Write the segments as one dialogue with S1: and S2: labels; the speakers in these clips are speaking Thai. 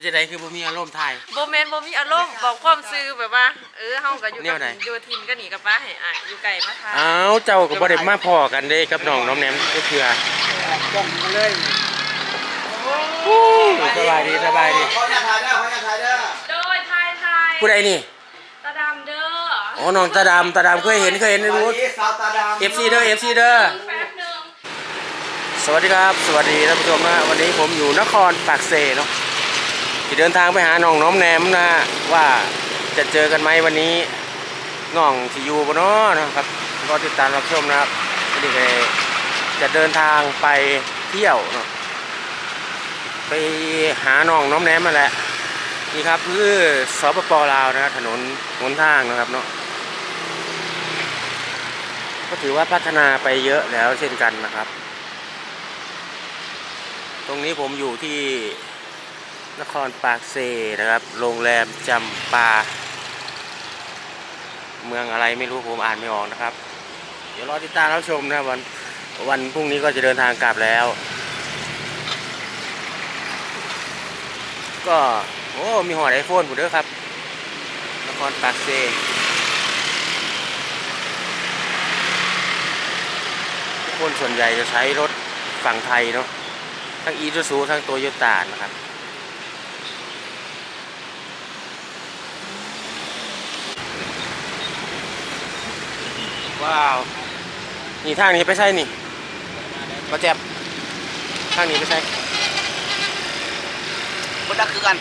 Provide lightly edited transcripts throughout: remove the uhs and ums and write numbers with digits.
S1: จะได้คือบ่มีอารมณ์ถ่าย
S2: บ่แม่นบ่มีอารมณ์บอกความซื่อแบบว่าเฮาก็อยู่กับอยู่ทินก็หนีกับป้าให้อ้ายอยู่ไกลมาทาง
S1: อ้าวเจ้าก็บ่ได้มาพ้อกันเด้กับน้องน้อมแหนมก็คือ
S3: จ้องเลย
S1: สบายดีสบายดี
S3: เขาอยากถ่ายเด้อ
S2: โดยไทย
S1: ผู้ใดนี่
S2: ตาดำเด้อ
S1: อ๋อน้องตาดำเคยเห็นรู้ FC เด้อ FC เด้อสวัสดีครับสวัสดีท่านผู้ชมนะวันนี้ผมอยู่นครปากเซเนาะที่เดินทางไปหาน้องน้อมแหนมนะว่าจะเจอกันไหมวันนี้น้องที่อยู่บ่เนาะนะครับก็ติดตามรับชมนะครับวันนี้จะเดินทางไปเที่ยวเนาะไปหาน้องน้อมแหนมมาแหละนี่ครับคือสปป.ลาวนะครับถนนหนทางนะครับเนาะก็ถือว่าพัฒนาไปเยอะแล้วเช่นกันนะครับตรงนี้ผมอยู่ที่นครปากเซนะครับโรงแรมจำปาเมืองอะไรไม่รู้ผมอ่านไม่ออกนะครับเดี๋ยวรอติดตามรับชมนะวันพรุ่งนี้ก็จะเดินทางกลับแล้วก็โอ้มีหอดไอโฟนผมด้วยครับนครปากเซทุกคนส่วนใหญ่จะใช้รถฝั่งไทยเนาะทั้งอีซูซูทั้งโตโยต้านะครับว้าวนี่ทางนี้ไปใช่นี่มาแจ็บทางนี้ไปใช่
S3: คนดักคือกัน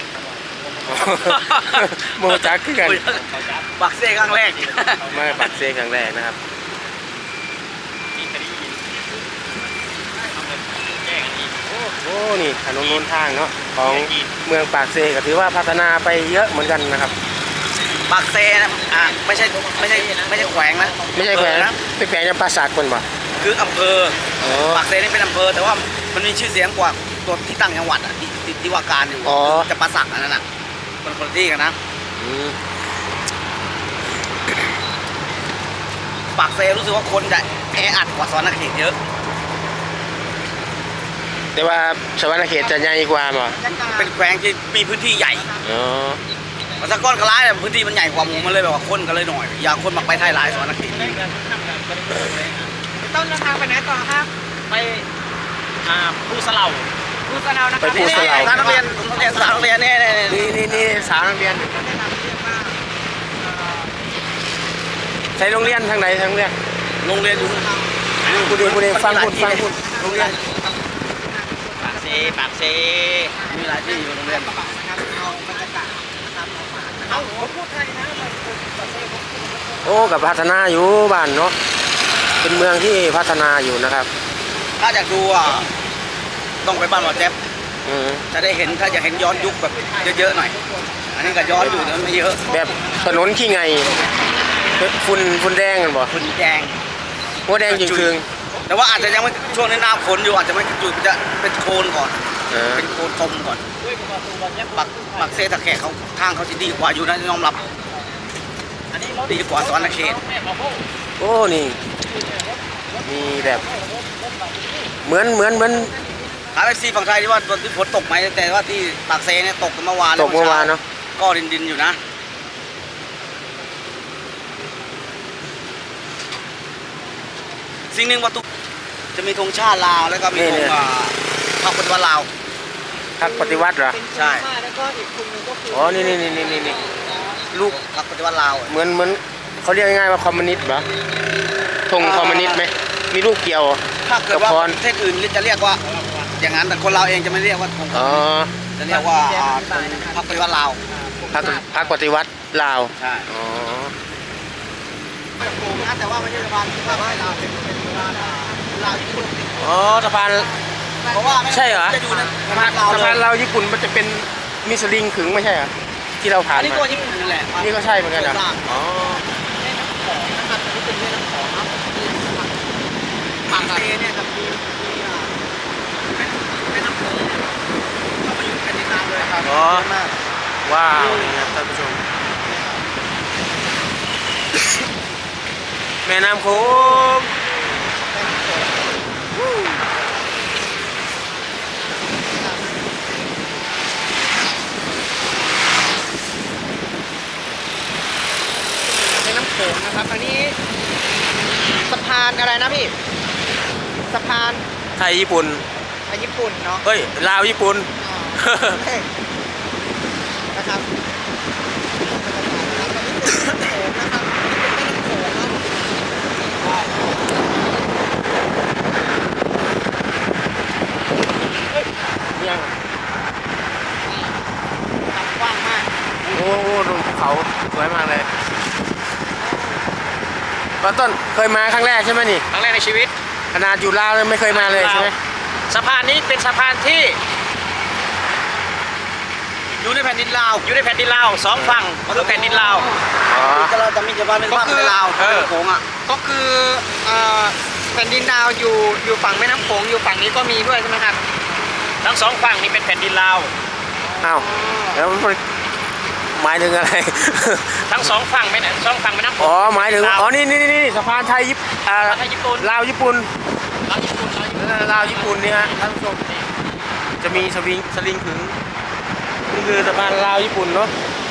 S1: โมจักคือกัน
S3: ปักเซ่ครั้งแรก
S1: ไม่ปักเซครั้งแรกนะครับโอ้นี่ถนนโน้นทางเนาะของเมืองปากเซก็ถือว่าพัฒนาไปเยอะเหมือนกันนะครับ
S3: ปากเซ่นะไม่ใช่แขวงนะ
S1: ไม่ใช่แขวงนะเป็นแขวงจำปาสักคนบ่
S3: คืออำเภอปากเซ่นี่เป็นอำเภอแต่ว่ามันมีชื่อเสียงกว่าตัวที่ตั้งจังหวัดอ่ะที่ว่าการอยู่จำปาสักนั่นน่ะคนที่กันนะปากเซ่รู้สึกว่าคนจะแออัดกว่าสวรรณเขตเยอะ
S1: แต่ว่าสวรรณเขตจะใหญ่กว่าบ่
S3: เป็นแขวงที่มีพื้นที่ใหญ่มันสะก้อนกระไรพื้นที่มันใหญ่กว่าหมูมันเลยแบบว่าคนกันเลยหน่อยอยากคนมาไปไทยหลายสวรรณเขต
S2: ต้นทางไปไหนต่อครับ
S3: ไปผู้สลา
S1: ไปผู้สลา
S3: นักเรียนสาวนักเรียน
S1: นี่สาวนักเรียนใช้โรงเรียนทางไหนทางเรียน
S3: โรงเรียนอยู่
S1: กูเรียนฟังคุณโรงเรียน
S3: ปากเซมีหลายที่อยู่โรงเรียน
S1: โอ้กับพัฒนาอยู่บ้านเนาะเป็นเมืองที่พัฒนาอยู่นะครับ
S3: ถ้าอยากดูต้องไปบ้านหมอแจ๊บจะได้เห็นถ้าอยากเห็นย้อนยุคแบบเยอะๆหน่อยอันนี้ก็ย้อนอยู่แต่ไม่เยอะ
S1: แบบถนนขี้ไงฝุ่นแดงกันบ่
S3: ฝุ่นแดง
S1: หัวแดงจริง
S3: ๆแต่ว่าอาจจะยังไม่ช่วงนี้หน้าฝนอยู่อาจจะไม่จุดจะเป็นโคลนก่อนเป็นโคลนตมก่อนปักเซตะแขกเขาทางเขาจะดีกว่าอยู่นะยอมรับดีกว่าสวรรณเขต
S1: โอ้นี่มีแบบเหมือน
S3: หาแท็กซี่ฝั่งไทยที่ว่าตอนที่ฝนตกไหมแต่ว่าที่ปากเซเนี่ยตกเมื่อวาน
S1: เนาะ
S3: ก็ดินอยู่นะสิ่งหนึ่งว่าตุจะมีธงชาติลาวแล้วก็มีธงพรรคปฏิวัติลาว
S1: พรรคปฏิวัติเหรอ
S3: ใช่
S2: แล้วก็อีกคนนึงก็คือ
S1: อ๋อนี่
S3: ลูกพรรคปฏิวัติลาว
S1: เหมือนเขาเรียกง่ายๆว่าคอมมิวนิสต์เหรอธงคอมมิวนิสต์ไหมมีลูกเกี่ยว
S3: ถ้าเกิดว่าประเทศอื่นจะเรียกว่าอย่างนั้นแต่คนเราเองจะไม่เรียกว่าธงจะเรียกว่าพรรคปฏิวัติลาว
S1: พรรคปฏิวัติลาว
S3: ใช่แต่ว่าไม่ใช่สะพานที่ว่าลาวเป็นลาวญี่ปุ่น
S1: อ๋อสะพาน
S3: เพราะว่า
S1: ใช่เหรอ
S3: จะอยู่ใน
S1: สะพานลาวญี่ปุ่นมันจะเป็นมีสลิงขึงไม่ใช่เหรอที่เราผ่าน
S3: นี่ก็ญี่ปุ่นนั่นแหละ
S1: นี่ก็ใช่เหมือนกันอ๋อ
S3: แม่น้ำของนะครับนี่เป็นแม่น้ำของนะปากเซเนี่ยกับแม่น้ำของเขามาอยู่กันในน้ำเลยครับ
S1: ว้าวนี่ครับท่านผู้ชมแม่น้ำโขง
S4: านอะไรนะพี่สะพาน
S1: ไทยญี่ปุ่น
S4: ญี่ปุ่นเนาะ
S1: เฮ้ยลาวญี่ปุ่น
S4: นะครับ
S1: ยัง
S4: กว้างมาก
S1: โอ้โหดูภูเขาสวยมากเลยตอนต้นเคยมาครั้งแรกใช่ไหมนี่
S3: ครั้งแรกในชีวิต
S1: ขนาดอยู่ลาวเลยไม่เคยมาเลยใช่ไหม
S3: สะพานนี้เป็นสะพานที่อยู่ในแผ่นดินลาวอยู่ในแผ่นดินลาวสองฝั่งก็คือแผ่นดินลาว
S1: อ๋อ
S3: เราจะมีสะพานเป็นภาพเป็นลาวเป็นโขงอ่ะ
S4: ก็คือแผ่นดินดาวอยู่ฝั่งแม่น้ำโขงอยู่ฝั่งนี้ก็มีด้วยใช่ไหมครับ
S3: ทั้งสองฝั่งนี้เป็นแผ่นดินลาว
S1: อ้าวแล้วมันหมายถึงอะไร
S3: ทั้งสองฝั่งไม่สองฝั่งแม่น้ำโข
S1: อ๋อง หมายถึงอ๋อนี่สะพานไทย
S3: ไทยญี่ปุ่น
S1: ลาวญี่ปุ่น
S3: ลาวญี่ปุ่น
S1: ลาวญี่ปุ่นนี่ฮะท่านผู้ชมจะมีสลิงขึงนี่คือสะพานลาวญี่ปุ่นเนาะ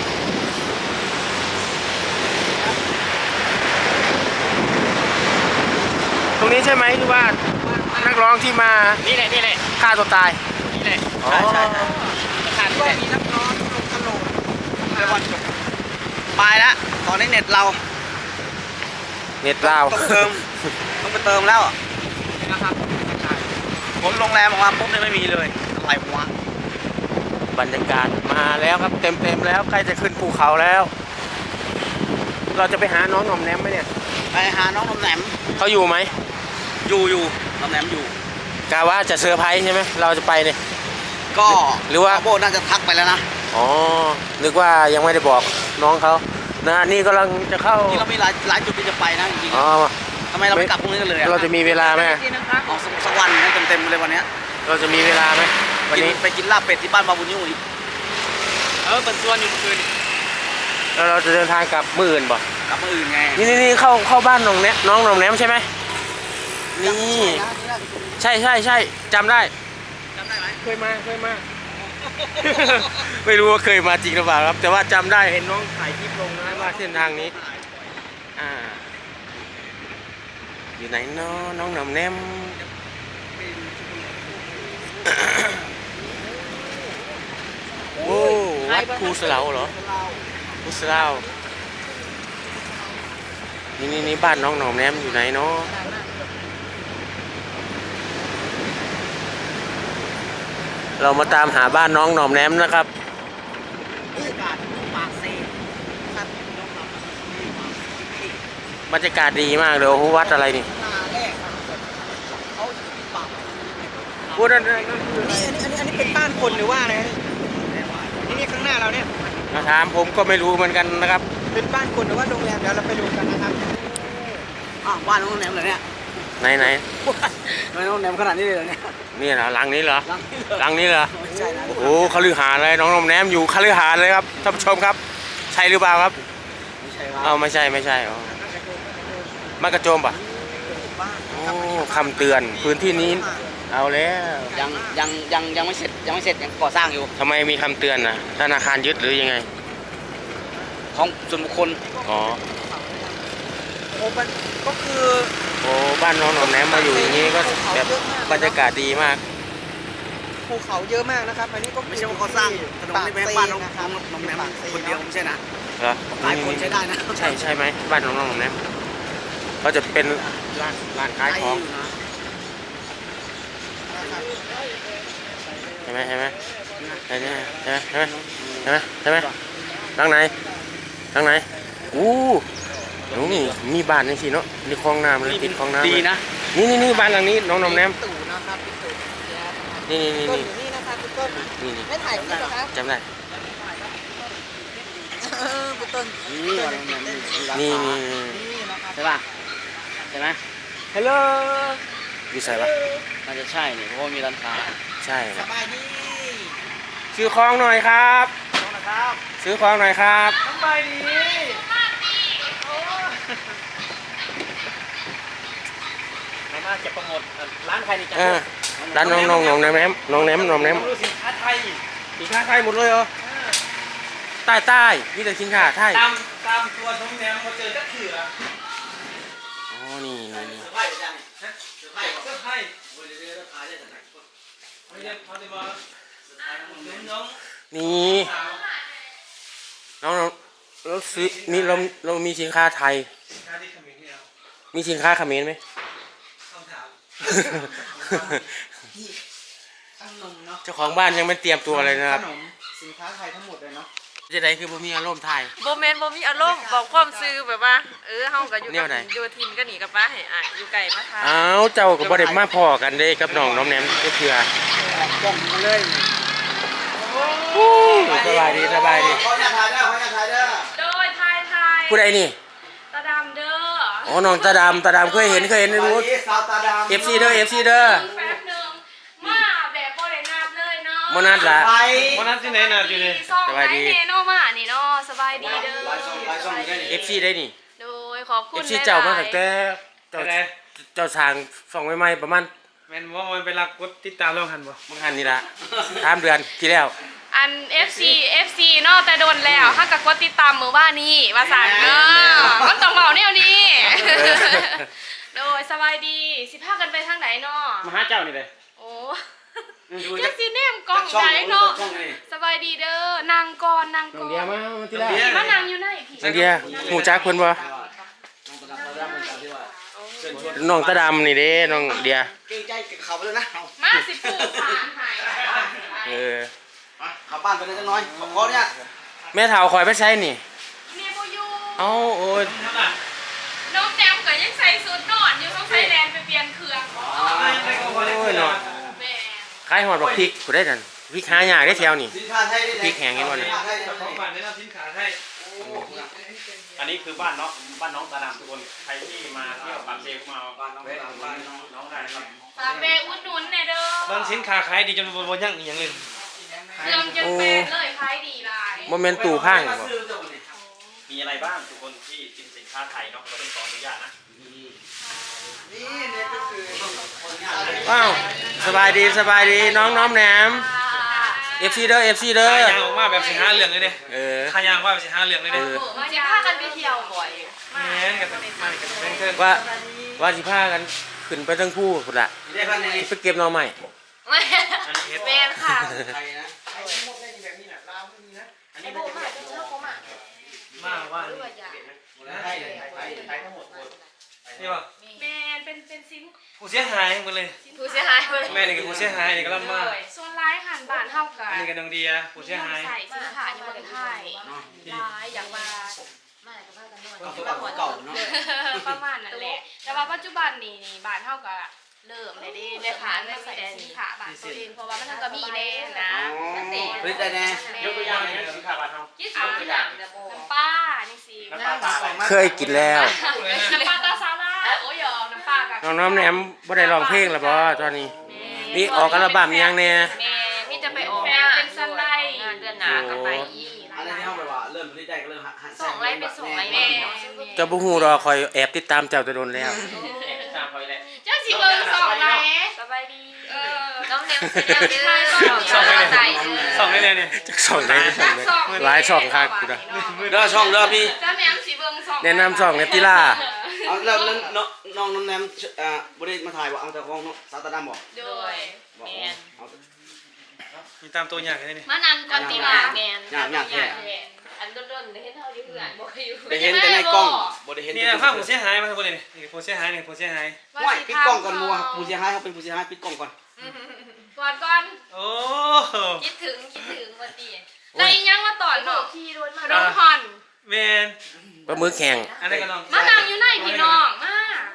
S1: ตรงนี้ใช่ไหมที่ว่านักร้องที่มา
S3: นี่แหละนี่แหละ
S1: ฆ่าตัวตาย
S3: นี่แหละ
S1: อ๋อ
S3: ใช่สะพานนี่แหละ
S4: มีนักร้องลงตลก
S3: เดี๋ยวก่อนไปแล้วตอนนี้เน็ตเรา
S1: เน็ตลาว
S3: ต้องเติมต้องไปเติมแล้วนะครับผมโรงแรมออกมาปุ๊บเนี่ยไม่มีเลยอะไรวะ
S1: บรรยากาศมาแล้วครับเต็มแล้วใกล้จะขึ้นภูเขาแล้ว เราจะไปหาน้องหน่อมแนมไหมเนี่ย
S3: ไปหาน้องนมแหนม
S1: เขาอยู่ไหม
S3: อยู่นมแหนมอยู่
S1: กะว่าจะเซอร์ไพรส์ใช่ไหมเราจะไปเนี่ย
S3: ก็
S1: หรือว่า
S3: โบน่าจะทักไปแล้วนะ
S1: อ๋อนึกว่ายังไม่ได้บอกน้องเขานะฮะนี่กำลังจะเข้า
S3: นี่เรามีหลายจุดที่จะไปนะจริง
S1: อ๋อ
S3: ๆทำไมเราไม่กลับพรุ่งนี้กันเลยอะ
S1: เราจะมีเวลาไหม
S4: นี่นะครับ
S3: เอาสักวันให้เต็มๆเลยวันเนี้ย
S1: เราจะมีเวลาไหมวันนี้
S3: ไปกินลาบเป็ดที่บ้านบาบุญยุ่งอีกเป็นส่วนอยู่เมื่อคืน
S1: แล้วเราจะเดินทางกลับมื้ออื่นบ่
S3: กลับมาอื่นไง
S1: นี่เข้าบ้านน้องหน่อมแนมใช่ไหมนี่ใช่จำได้
S3: จำได้ไหม
S1: เคยมา ไม่รู้ว่าเคยมาจริงหรือเปล่าครับ แต่ว่าจำได้เห็นน้องถ่ายคลิปลงนะว่าเส้นทางนี้อยู่ไหนเนาะน้องหน่อมแนม โอ้วัดภูสะเหลาเหรอภูสะเหลานี่บ้านน้องหน่อมแนมอยู่ไหนเนาะเรามาตามหาบ้านน้องหน่อมแนมนะครับ บรรยากาศดีมากเลยโอ้โหวัดอะไรนี่พูดนั่นคือ
S4: อันนี้เป็นบ้านคนหรือว่าอะไรนี่ข้างหน้าเราเนี่ย
S1: มาถามผมก็ไม่รู้เหมือนกันนะครับ
S4: เป็นบ้านคนหรือว่าโรงแรมเดี๋ยวเราไปดูกันนะครับ
S3: บ้านน้องแหนมเลยเนี่ย
S1: ไหน
S3: บ้านน้องแหนมขนาดนี้เลยเหรอเนี่ย
S1: นี่เหรอหลังนี้เหรอ
S3: หลังนี้เหรอ
S1: หลังนี้เหรอ
S3: ไม่ใช่นะ
S1: โอ้โหคฤหาสน์เลยน้องหน่อมแนมอยู่คฤหาสน์เลยครับท่านผู้ชมครับใช่หรือเปล่าครับ
S3: ไม่ใช่ครับ
S1: เอาไม่ใช่อ๋อมากระโจมป่ะโอ้คำเตือนพื้นที่นี้เอาแล้ว
S3: ยังไม่เสร็จยังก่อสร้างอยู่
S1: ทำไมมีคำเตือนนะธนาคารยึดหรือยังไง
S3: ของส่วนบุคคล
S1: อ๋อ
S4: โอ้มันก็คือ
S1: โอ้บ้านน้องหน่อมแนมมาอยู่อย่างนี้ก็แบบบรรยากาศดีมาก
S4: ภูเขาเยอะมากนะครับ อันนี้ก็คือ
S3: ไม่ใช่ว่าเขาสร้างถนนนี่เป็นบ้านน้องแหนมคนเดียวไม่ใช่นะ
S1: เหรอ
S3: หลายคนใช้ได้นะ
S1: ใช่ไหมบ้านน้องหน่อมแนมก็จะเป็นร้านขายของใช่ไหมหลังไหนอู้นี่มีบ้านนี่สิเนาะนี่คลองน้ำเลยติดคลองน้ำ
S3: ดีนะ
S1: นี่บ้านหลังนี้น้องหน่อมแนม
S4: ตู่นะครับพี่ตู่
S1: นี่
S4: ต้นอยู่นี่นะครับพี่ต้น
S1: นี่
S4: ไม่ถ่ายคลิปเหรอครับ
S1: จำได้
S4: พี่ต้น
S3: นี่บ้านน้องแหนมมีร้าน
S1: นี่
S3: ค้า
S4: นี่นะครับ
S3: ใช่ป่ะใช่ไหม
S1: ฮัลโหลอยู่ใส่ปะ
S3: น่าจะใช่นี่เพราะว่ามีร้านค้า
S1: ใช่
S4: สบายดี
S1: ซื้อของหน่อยครับ
S3: นะครับ
S1: ซื้อของหน่อยครับ
S3: สบายดีมาเก็บโปรโมทร้านใครนี่จ้ะ
S1: ร้านน้องแนมน้องแนม
S3: รู้สินค้าไทย
S1: สินค้าไทยหมดเลยเหรอใต้มีแต่สินค้าไทย
S3: ตามตัวน้องแหนมเขาเจอจักเถื่อ
S1: อ๋อนี่นี่นี่
S3: เสื้อผ้าอยู่จ้ะนี่เสื้อผ้าเสื้อผ้าโอ้ยเดี๋ยวขายได้แต่ไหนไม่ใช่เขาจะมาน้อง
S1: นี่น้องเราซื้อนี่เรามีสินค้าไทย
S3: ค่าที่ขมิ้นเนี่ย
S1: มีสินค้าเขมรไหม
S3: ต้องถาม
S4: ขนมเนาะ
S1: เจ้าของบ้านยังไม่เตรียมตัวเลยนะครับ
S4: ขนมสินค้าไทยทั้งหมดเลยเนาะ
S1: จะได้คือบ่มีอารมณ์ไทย
S2: บ่แม่นบ่มีอารมณ์บอกความซื่อแบบว่าเฮาก็อยู่
S1: แน
S2: กั
S1: ว
S2: บ
S1: ไหน
S2: อยู่ทินก็หนีกับป้าให้อายอยู่ไกลมาทาน
S1: อ้าวเจ้าก็บ่ได้มาพอกันเด้กับน้องน้อมแหนมก็เถื่อ
S4: บ่งมาเลย
S1: สบายดีสบายดี
S3: เขาอยากถ่ายเด้อเขาอยากถ่ายเด้อ
S2: โดยไทย
S1: ผู้ใดนี่
S2: ตาดำเด้อ
S1: อ๋อน้องตาดำเคยเห็นในรูป
S3: สาวตาดำ
S1: FC เด้อ FC เด้อ
S2: แป๊บนึงมาแบบบ่ได้นับเลยเนาะ
S1: บ่นัดละ
S3: ไป
S5: วันนั้นที่ไหนน่ะอยู่นี่
S1: สบายดี
S2: ไหนเนาะมานี่เนาะสบายดีเด้อ
S3: ลายช่องได้นี่
S1: FC ได้นี่
S2: โดยขอบคุณ
S1: FC เจ้ามาตั้งแต่เจ้า
S5: อะไร
S1: เจ้าสร้างส่องใหม่ๆประมาณ
S5: แม่นว่ามันเป็นรักกดติดตามเราหันบ่
S1: บางหันนี่ละ3 เดือนที่แล้ว
S2: อัน FC เนาะแต่โดนแล้วถ้ากับกดติดตามมือบ้านนี้ว่าสั่นเนาะมันต้องเบาแนวนี้ โดยสบายดีสิพากันไปทางไหนเนาะ
S5: มาหาเจ้านี่เลย
S2: โอ้
S3: ดู
S2: ยั
S3: จาก
S2: งสิแนมกล้อง
S3: ช่อง
S2: ไหนเนาะ
S3: ช่องนี่
S2: สบายดีเด้อนางก่อนนาง
S1: น้อ
S2: ก่
S1: ง
S2: อน
S1: เดียมาที่แรก
S2: พี่มานั่งอยู่ไหนพี่
S1: น้องเดียหูจักเพิ่นบ่ น้องตาดำนี่เด้น้องเดีย
S3: เก่งใจเขาไปเลยนะ
S2: มาสิปูสามหาย
S1: เออ
S3: ขับบ้านไปเลยจังน้อยขอเนี่ย
S1: แม่เฒ่าคอยไปใช้นี่
S2: เมียบ่อยู่
S1: เอ้าโอ้ย
S2: น้องแจมก็ยังใส่สูทนอนอยู่ต้องใส่แลนไปเปลี่ยนเครื่องอ๋อ
S1: โอ้ยเนาะ
S2: แม่
S1: ขายหอดบักพริกกูได้นั่นพริกหายากได้แถวนี่
S3: สินค้าไทยได้
S1: พริกแห้งเห็นบ่เนี่ย
S5: ของบ้านแนะนำสินค้าให้อันนี้คือบ้านน้องตาดำทุกคนใครที่มาเที่ยวปากเซก็มาบ้านน้องตาดำบ้านน้องได้ครับ
S2: ฝากแบกอุดหนุนแน่เด้อ
S5: บ้านสินค้าขายดีจนบ่ยั่งอีหยังเลย
S2: เครื่องจนเป็นเลยขายดีหลาย
S1: บ่แม่นตู้ข้างบ่
S5: มีอะไรบ้างทุกคนที่กินสินค้าไทยเนาะเราต้องขออนุญาตนะ
S3: นี่เนี่ยก็คือคนงาน
S1: ว้าวสบายดีน้องน้อมแหนม FC เด้อ FC เด้อ
S5: ขายางออกมาแบบสิหาเรื่องเลยเด้
S1: เออ
S5: ขายางว่าแบบสิหาเรื่องเลยเด้
S2: มาจะพากันไปเที่ยวบ่อย
S5: แม่นกันมากันเพิ่น
S1: ว่าสิพากันขึ้นไปทั้งคู่พุ่นล่ะ
S3: ได้พันนี้
S1: ไปเก็บหน่อไม้
S5: อันนี้เฮ็ด
S2: แม่นค่ะ
S3: ไทยนะ
S2: ไอ้โบมาจะเชื่อเขามา
S5: มาว่า
S2: ด้วยอย่า
S3: ไทยไทยทั้งหมด
S5: นี่ว่า
S2: แม่นเป็นซิม
S5: ผู้เสียหายหมดเลย
S2: ผู้เสียหายเลย
S5: แม่นี่ก็ผู้เสียหายนี่ก็ลำมา
S2: ส่วนร้ายหันบ้านเท่ากั
S5: อัน
S2: น
S5: นี้ก็น้องเดียผู้เสียหาย
S2: ใส่สินค้าอยู่บนไทยร้ายอย่างว่า
S3: ก็คือบ้านเก่าเนาะ
S2: ประมาณนั้นแหละ แต่ว่าปัจจุบันนี่บ้านเท่ากับเริ่มได้ขายไม่ใส่สินค้าบ้านตัวเองเพราะว่ามันก็มีแน่นะ
S3: ผลิตได้แน่
S5: ยกตัวอย่างให้สินค้าบ้านเฮา
S2: น้ำปลานี่สิ
S5: น้ำปลาตาไหล
S1: เคยกินแล้ว
S2: น้ำปลาตาซาลาโอ้ยน้ำปลากับ
S1: น้องน้อมแหนมบ่ได้ร้องเพลงแล้วบ่ตอนนี้มีออกอัลบั้มยังแน่
S2: แม่นี่จะไปออกเป็นสไลด์เดือนหนาก็ไปอีก
S3: อันนี้ที่เขาแบบว่าเริ่มผลิตได้ก็เริ่มหัน
S2: ส่งไล่เป็นส่งไล่แม่
S1: เจ้าบ่ฮู้ดอกคอยแอบติดตามเจ้าแตะโดนแล้ว
S5: ตามคอยแหละ
S2: เจ้าสิเบิ่งส่งไล่สบายดีน้องเนมสิเดียวนี้ส่งไล่
S5: ส่งได้เลยเนี่ย
S1: จักส่องได้ส่องได้หลายช่องคักกูนะ
S3: เด้อช่องเด้อพี่
S2: เจ้าแม่สิเบิ่งส่ง
S1: แนะนำช่องเนติล่า
S3: เอาแล้วน้องน้ำแนมบริษัทมาถ่ายว่าเอาแต่ของน้องสาวตาดำบอก
S2: โดย
S3: บอก
S2: แม่น
S3: เอา
S5: มีตามตัวอย่างเลยนี่
S2: มานั่งก่อนตีว่าแม่น
S6: อันต้นๆได้เห็นเท่าที่เพื่อนบอกอยู่
S3: ได้เห็นแต่ในกล้องบ่ได้เห็น
S5: นี่ภาพผู้เสียหายมาทุกคนเลยนี่ผู้เสียหายนี่ผู้เสียหาย
S3: ไหวปิดกล้องก่อนมัวผู้เสียหายเขาเป็นผู้เสียหายปิดกล้องก่อน
S2: ก่อน
S5: โอ้
S6: คิดถึงวันดี
S2: แล้วอีหยังมาตอนเนาะ
S6: ขี่รถ
S2: ข
S6: มาน
S2: มฮอน
S5: แมน
S1: ปลาหมึกแข็ง
S5: อันนี้ก็น้อง
S2: มานั่งอยู่ไหนพี่น้องมา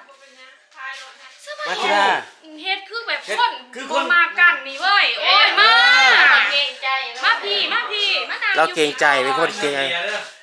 S1: มาติล่า
S2: เฮ็ดคือแบบคนบ่มากันนี่เว้ยโอ้ยมา
S6: เก่งใจ
S2: มาพี่มานั่ง
S1: เราเกรงใจเป็นคนเกรงใจ
S5: เดียเด้อ